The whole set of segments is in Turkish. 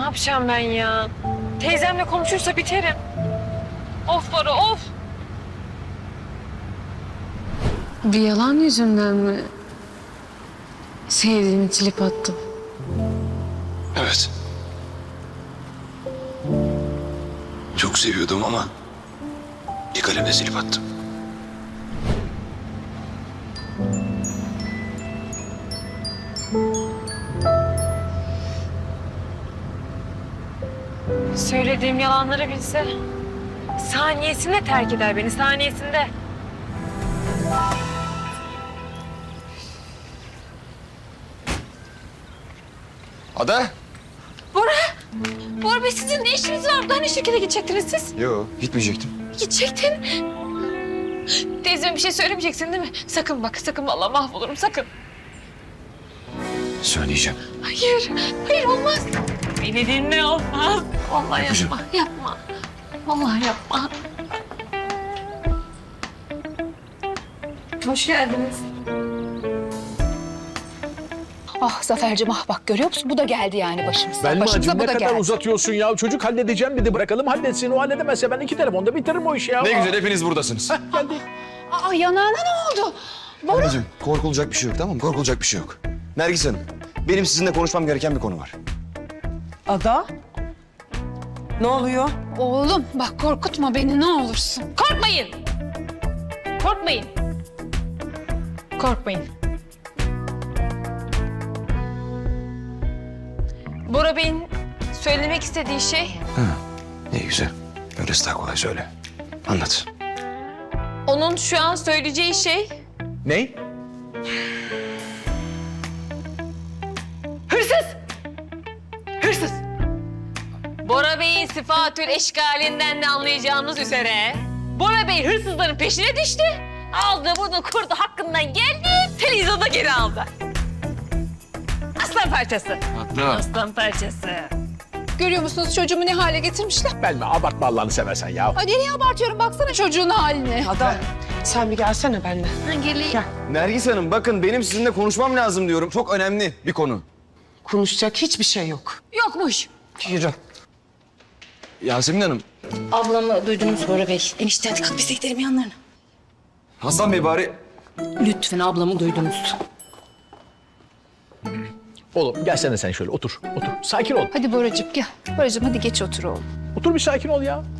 yapacağım ben ya? Teyzemle konuşursa biterim. Of Bora of. Bir yalan yüzünden mi sevdiğimi silip attım? Evet. Çok seviyordum ama bir kalemle silip attım. Söylediğim yalanları bilse saniyesinde terk eder beni, saniyesinde. Ada? Bora Bey sizin ne işiniz var burada? Hani şirkete gidecektiniz siz? Yo, gitmeyecektim. Gidecektin. Teyzeme bir şey söylemeyeceksin değil mi? Sakın bak, sakın vallahi mahvolurum, sakın. Söyleyeceğim. Hayır, hayır olmaz. Beni dinle olmaz. Vallahi Yapacağım. yapma. Vallahi yapma. Hoş geldiniz. Ah Zafer'cim ah bak görüyor musun? Bu da geldi yani başımıza. Belmacığım Başımıza ne bu da kadar geldi. uzatıyorsun ya? Çocuk halledeceğim dedi. Bırakalım halletsin. O halledemezse ben 2 telefonda bitiririm o işi ya. Ne güzel hepiniz buradasınız. Geldik. Aa yanağına ne oldu? Ablacığım korkulacak bir şey yok, tamam mı? Korkulacak bir şey yok. Nergis Hanım, benim sizinle konuşmam gereken bir konu var. Ada? Ne oluyor? Oğlum bak korkutma beni ne olursun. Korkmayın. Korkmayın. Korkmayın. Bora Bey'in söylemek istediği şey Ne güzel. Öylesi daha kolay söyle. Anlat. onun şu an söyleyeceği şey Ne? hırsız. Hırsız. Bora Bey'in sıfatül eşkalinden de anlayacağımız üzere Bora Bey hırsızların peşine düştü. Aldı bunu kurdu hakkından geldi. Televizyonda geri aldı. Aslan parçası. Aslan parçası. Görüyor musunuz çocuğumu ne hale getirmişler? Belme abartma Allah'ını seversen ya. Ay nereye abartıyorum baksana çocuğun haline. Ada sen bir gelsene benimle. Nergis Hanım, bakın benim sizinle konuşmam lazım diyorum. Çok önemli bir konu. Konuşacak hiçbir şey yok. Yokmuş. Yürü. Yasemin Hanım, Ablamı duydunuz Bora Bey. Enişte hadi kalk biz de gidelim yanlarına. Hasan Bey bari... Lütfen ablamı duydunuz. Oğlum gelsene sen şöyle otur. Otur. Sakin ol. Hadi Boracığım gel. Boracığım hadi geç otur oğlum. Otur bir sakin ol ya.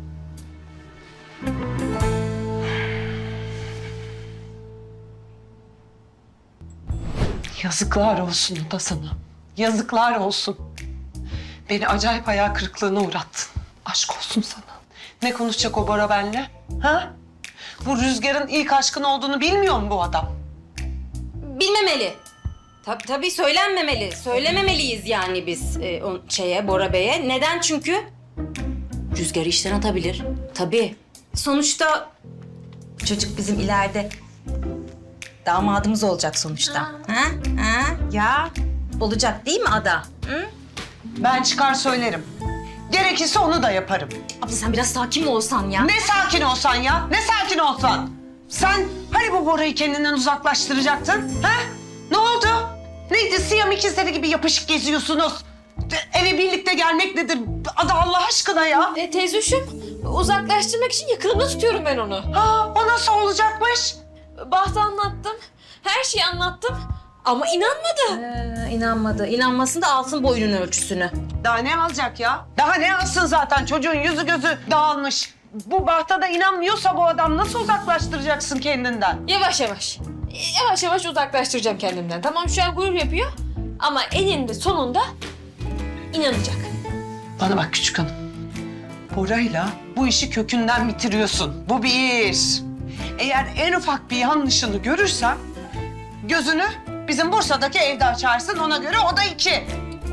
Yazıklar olsun da sana. Yazıklar olsun. Beni acayip hayal kırıklığına uğrattın. Aşk olsun sana. Ne konuşacak o Bora benimle? Ha? Bu Rüzgar'ın ilk aşkın olduğunu bilmiyor mu bu adam? Bilmemeli. Tabii söylenmemeli. Söylememeliyiz yani biz Bora Bey'e. Neden? Çünkü Rüzgar'ı işten atabilir. Tabii. Sonuçta bu çocuk bizim ileride damadımız olacak sonuçta. Ha? Ha? Ya olacak değil mi Ada? Hı? Ben çıkar söylerim. Gerekirse onu da yaparım. Abla sen biraz sakin mi olsan ya? Ne sakin olsan ya, ne sakin olsan. Sen hani bu Bora'yı kendinden uzaklaştıracaktın, ha? Ne oldu? Neydi, Siyam ikizleri gibi yapışık geziyorsunuz? Eve birlikte gelmek nedir? Ada Allah aşkına ya. Teyzeciğim uzaklaştırmak için yakınımda tutuyorum ben onu. Ha, o nasıl olacakmış? Bahtı anlattım. Her şeyi anlattım. Ama inanmadı. İnanmadı. İnanmasın da alsın boyunun ölçüsünü. Daha ne alacak ya? Daha ne alsın zaten? Çocuğun yüzü gözü dağılmış. Bu Baht'a da inanmıyorsa bu adam nasıl uzaklaştıracaksın kendinden? Yavaş yavaş. Yavaş yavaş uzaklaştıracağım kendimden. Tamam şu an gurur yapıyor. Ama eninde sonunda inanacak. Bana bak küçük hanım. Bora'yla bu işi kökünden bitiriyorsun. Bu bir. Eğer en ufak bir yanlışını görürsen gözünü bizim Bursa'daki evde açarsın, ona göre o da 2.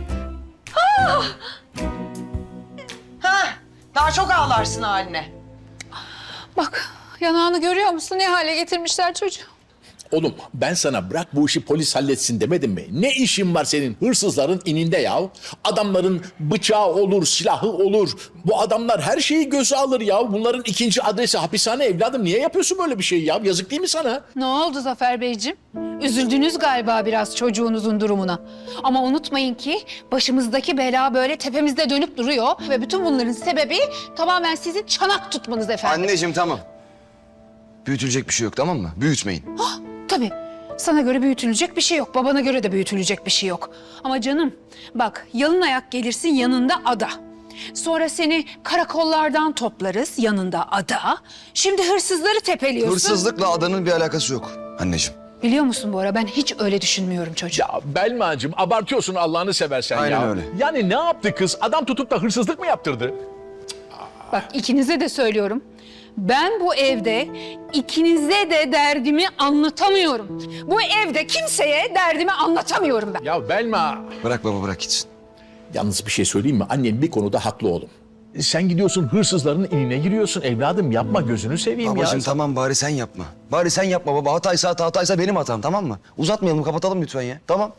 Ha, daha çok ağlarsın haline. Bak yanağını görüyor musun ne hale getirmişler çocuğu? Oğlum ben sana bırak bu işi polis halletsin demedim mi? Ne işin var senin hırsızların ininde ya? Adamların bıçağı olur, silahı olur. Bu adamlar her şeyi göze alır ya. Bunların ikinci adresi hapishane evladım. Niye yapıyorsun böyle bir şey ya? Yazık değil mi sana? Ne oldu Zafer Beyciğim? Üzüldünüz galiba biraz çocuğunuzun durumuna. Ama unutmayın ki başımızdaki bela böyle tepemizde dönüp duruyor. Ve bütün bunların sebebi tamamen sizin çanak tutmanız efendim. Anneciğim tamam. Büyütülecek bir şey yok tamam mı? Büyütmeyin. Tabii. Sana göre büyütülecek bir şey yok. Babana göre de büyütülecek bir şey yok. Ama canım bak yalın ayak gelirsin yanında ada. Sonra seni karakollardan toplarız yanında ada. Şimdi hırsızları tepeliyorsun. Hırsızlıkla adanın bir alakası yok anneciğim. Biliyor musun Bora ben hiç öyle düşünmüyorum çocuğum. Ya Belma'cığım abartıyorsun Allah'ını seversen ya. Aynen öyle. Yani ne yaptı kız? Adam tutup da hırsızlık mı yaptırdı? Bak ikinize de söylüyorum. Ben bu evde ikinize de derdimi anlatamıyorum. Bu evde kimseye derdimi anlatamıyorum ben. Ya Belma. Bırak baba bırak gitsin. Yalnız bir şey söyleyeyim mi? Annen bir konuda haklı oğlum. Sen gidiyorsun hırsızların inine giriyorsun. Evladım yapma gözünü seveyim Babacığım ya. tamam bari sen yapma. Bari sen yapma baba. Hataysa benim hatam tamam mı? Uzatmayalım kapatalım lütfen ya. Tamam.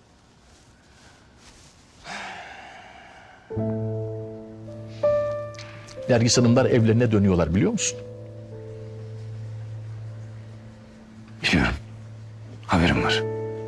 Nergis Hanımlar evlerine dönüyorlar biliyor musun? Biliyorum. Haberim var.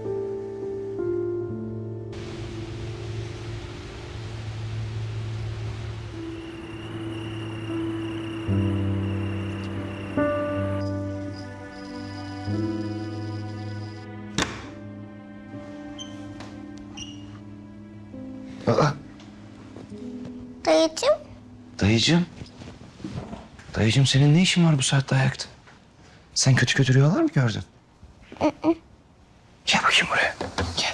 Aa, Dayıcığım, dayıcığım. Dayıcığım senin ne işin var bu saatte ayakta? Sen kötü rüyalar mı gördün? Gel bakayım buraya. Gel.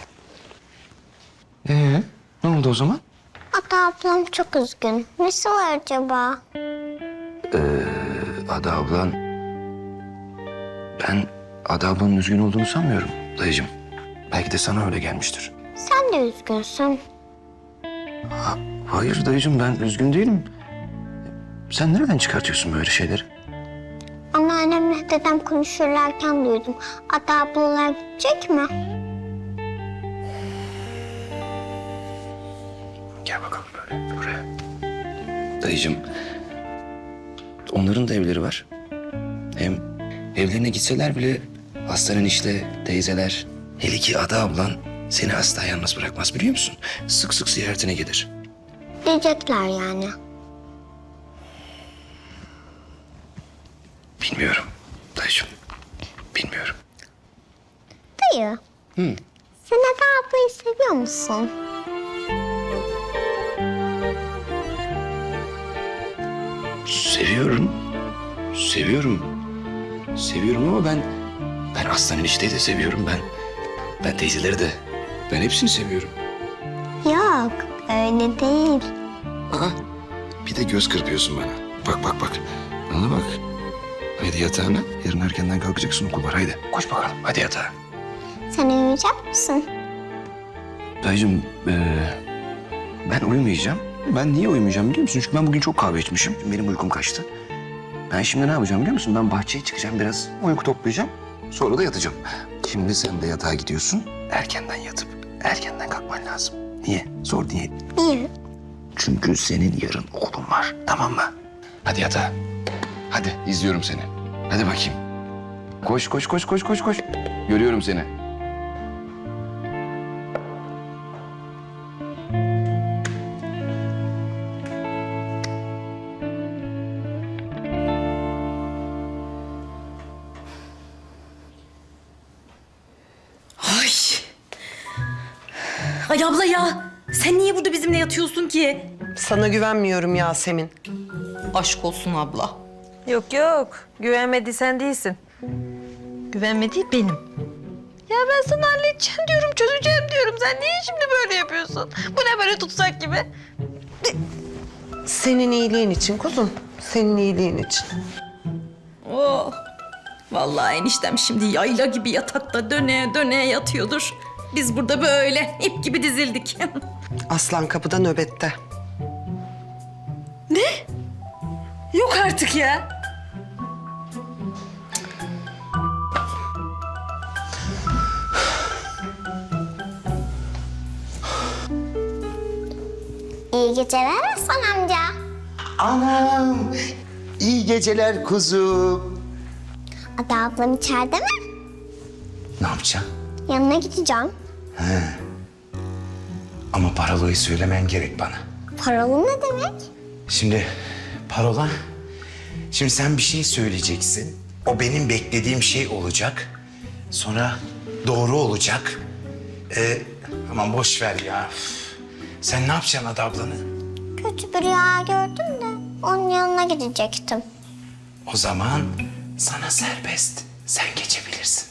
Ne oldu o zaman? Ata ablam çok üzgün. Nesi var acaba? Ada ablan... Ben Ada ablanın üzgün olduğunu sanmıyorum dayıcığım. Belki de sana öyle gelmiştir. Sen de üzgünsün. Hayır dayıcığım ben üzgün değilim. Sen nereden çıkartıyorsun böyle şeyleri? Anneannemle dedem konuşurlarken duydum. Ata ablalar gidecek mi? Gel bakalım böyle buraya. Dayıcığım, onların da evleri var. Hem evlerine gitseler bile hastanın işte teyzeler, hele ki Ada ablan seni asla yalnız bırakmaz biliyor musun? Sık sık ziyaretine gelir. Diyecekler yani. Bilmiyorum dayıcığım, bilmiyorum. Dayı. Sen Ata ablayı seviyor musun? Seviyorum, seviyorum ama ben aslan enişteyi de seviyorum ben teyzeleri de, ben hepsini seviyorum. Yok, öyle değil. Aa, bir de göz kırpıyorsun bana. Bak. Bana bak. Haydi yatağına. Yarın erkenden kalkacaksın okul var. Haydi. Koş bakalım. Hadi yatağa. Sen uyuyacak mısın? Dayıcığım, ben uyumayacağım. Ben niye uyumayacağım biliyor musun? Çünkü ben bugün çok kahve içmişim. Benim uykum kaçtı. Ben şimdi ne yapacağım biliyor musun? Ben bahçeye çıkacağım biraz. Uyku toplayacağım. Sonra da yatacağım. Şimdi sen de yatağa gidiyorsun. Erkenden yatıp erkenden kalkman lazım. Niye? Sor niye? Niye? Çünkü senin yarın okulun var. Tamam mı? Hadi yatağa. Hadi izliyorum seni. Hadi bakayım. Koş. Görüyorum seni. Ay. Ay abla ya. Sen niye burada bizimle yatıyorsun ki? Sana güvenmiyorum Yasemin. Aşk olsun abla. Yok. Güvenmediysen değilsin. Güvenmediği benim. Ya ben sana halledeceğim diyorum, çözeceğim diyorum. Sen niye şimdi böyle yapıyorsun? Bu ne böyle tutsak gibi? Senin iyiliğin için kuzum. Senin iyiliğin için. Oh. Vallahi eniştem şimdi yayla gibi yatakta döne yatıyordur. Biz burada böyle ip gibi dizildik. Aslan kapıda nöbette. Yok artık ya. İyi geceler Hasan amca. Anam, iyi geceler kuzum. Ada ablam içeride mi? Ne yapacaksın? Yanına gideceğim. Ama parolayı söylemen gerek bana. Paralı ne demek? Şimdi parola, şimdi sen bir şey söyleyeceksin. O benim beklediğim şey olacak. Sonra doğru olacak. Aman boş ver ya. Üf. Sen ne yapacaksın Ada ablanı? Kötü bir rüya gördüm de onun yanına gidecektim. O zaman sana serbest. Sen geçebilirsin.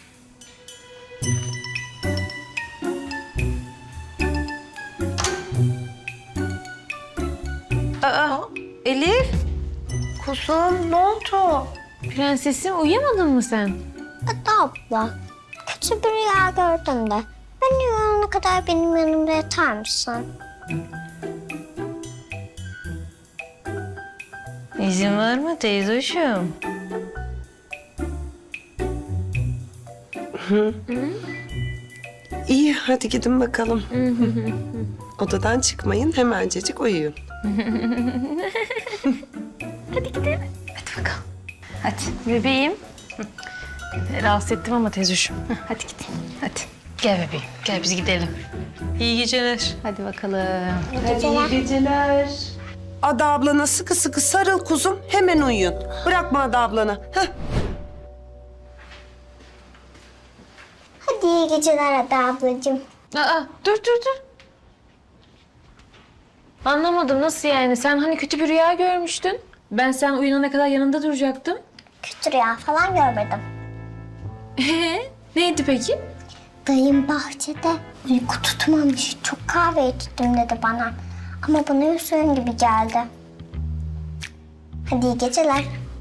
Elif. Kuzum ne oldu? Prensesim uyuyamadın mı sen? Ada abla, kötü bir rüya gördüm de. Ben uyanana kadar benim yanımda yatar mısın? İzin var mı teyzoşum? İyi, hadi gidin bakalım. Odadan çıkmayın, hemencecik uyuyun. Bebeğim. Rahatsız ettim ama teyzoşum. Hadi gidin. Hadi. Gel bebeğim. Gel biz gidelim. İyi geceler. Hadi bakalım. Geceler. Ada ablana sıkı sıkı sarıl kuzum, hemen uyuyun. Bırakma Ada ablana. Heh. Hadi iyi geceler Ada ablacığım. Aa, dur. Anlamadım, nasıl yani? Sen hani kötü bir rüya görmüştün. Ben sen uyanana kadar yanında duracaktım. Kötü rüya falan görmedim. Neydi peki? Dayım bahçede uyku tutmamış. Çok kahve içtim dedi bana. Ama bana Hüseyin gibi geldi. Hadi iyi geceler.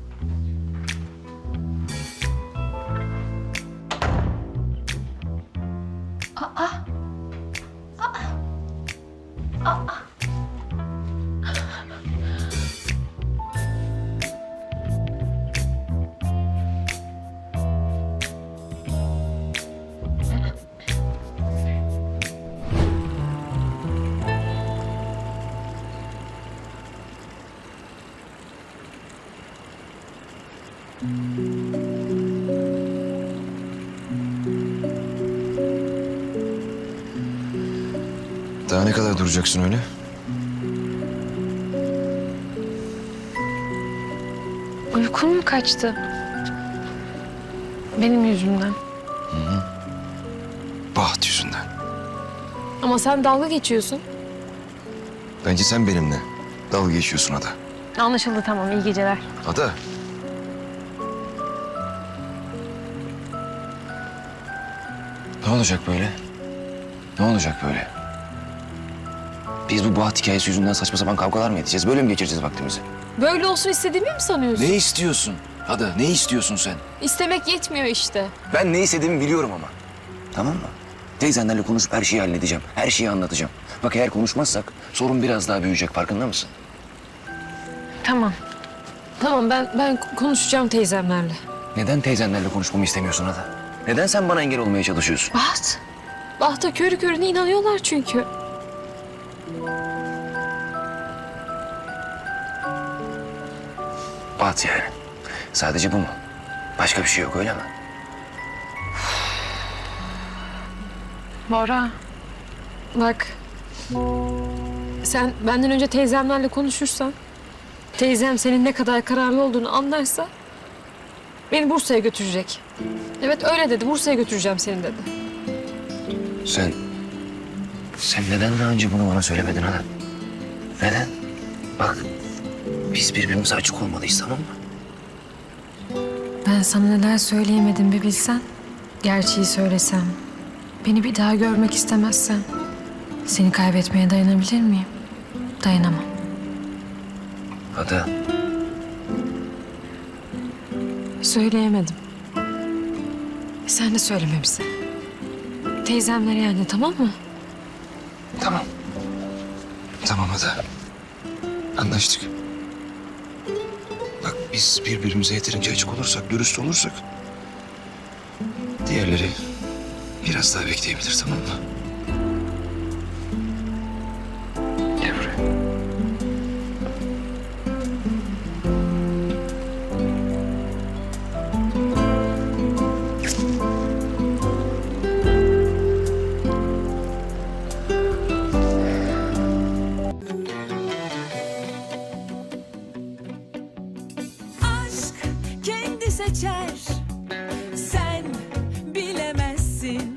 Daha ne kadar duracaksın öyle? Uykun mu kaçtı? Benim yüzümden. Baht yüzünden. Ama sen dalga geçiyorsun. Bence sen benimle dalga geçiyorsun Ada. Anlaşıldı, tamam. İyi geceler. Ada. Ne olacak böyle? Ne olacak böyle? Biz bu Baht hikayesi yüzünden saçma sapan kavgalar mı edeceğiz? Böyle mi geçireceğiz vaktimizi? Böyle olsun istediğimi mi sanıyorsun? Ne istiyorsun? Ada ne istiyorsun sen? İstemek yetmiyor işte. Ben ne istediğimi biliyorum ama. Tamam mı? Teyzenlerle konuşup her şeyi halledeceğim. Her şeyi anlatacağım. Bak eğer konuşmazsak sorun biraz daha büyüyecek, farkında mısın? Tamam. Tamam, ben konuşacağım teyzemlerle. Neden teyzenlerle konuşmamı istemiyorsun Ada? Neden sen bana engel olmaya çalışıyorsun? Baht. Baht'a körü körüne inanıyorlar çünkü. Baht yani. Sadece bu mu? Başka bir şey yok öyle mi? Bora. Bak. Sen benden önce teyzemlerle konuşursan, teyzem senin ne kadar kararlı olduğunu anlarsa beni Bursa'ya götürecek. Evet öyle dedi. Bursa'ya götüreceğim seni dedi. Sen neden daha önce bunu bana söylemedin Ada? Neden? Bak biz birbirimize açık olmalıyız, tamam mı? Ben sana neler söyleyemedim bir bilsen. Gerçeği söylesem, beni bir daha görmek istemezsen seni kaybetmeye dayanabilir miyim? Dayanamam. Ada. Söyleyemedim. Sen de söyleme bize. Teyzemlere yani, tamam mı? Tamam. Tamam Ada. Anlaştık. Bak biz birbirimize yeterince açık olursak, dürüst olursak... diğerleri biraz daha bekleyebilir, tamam mı? Gel buraya. seçer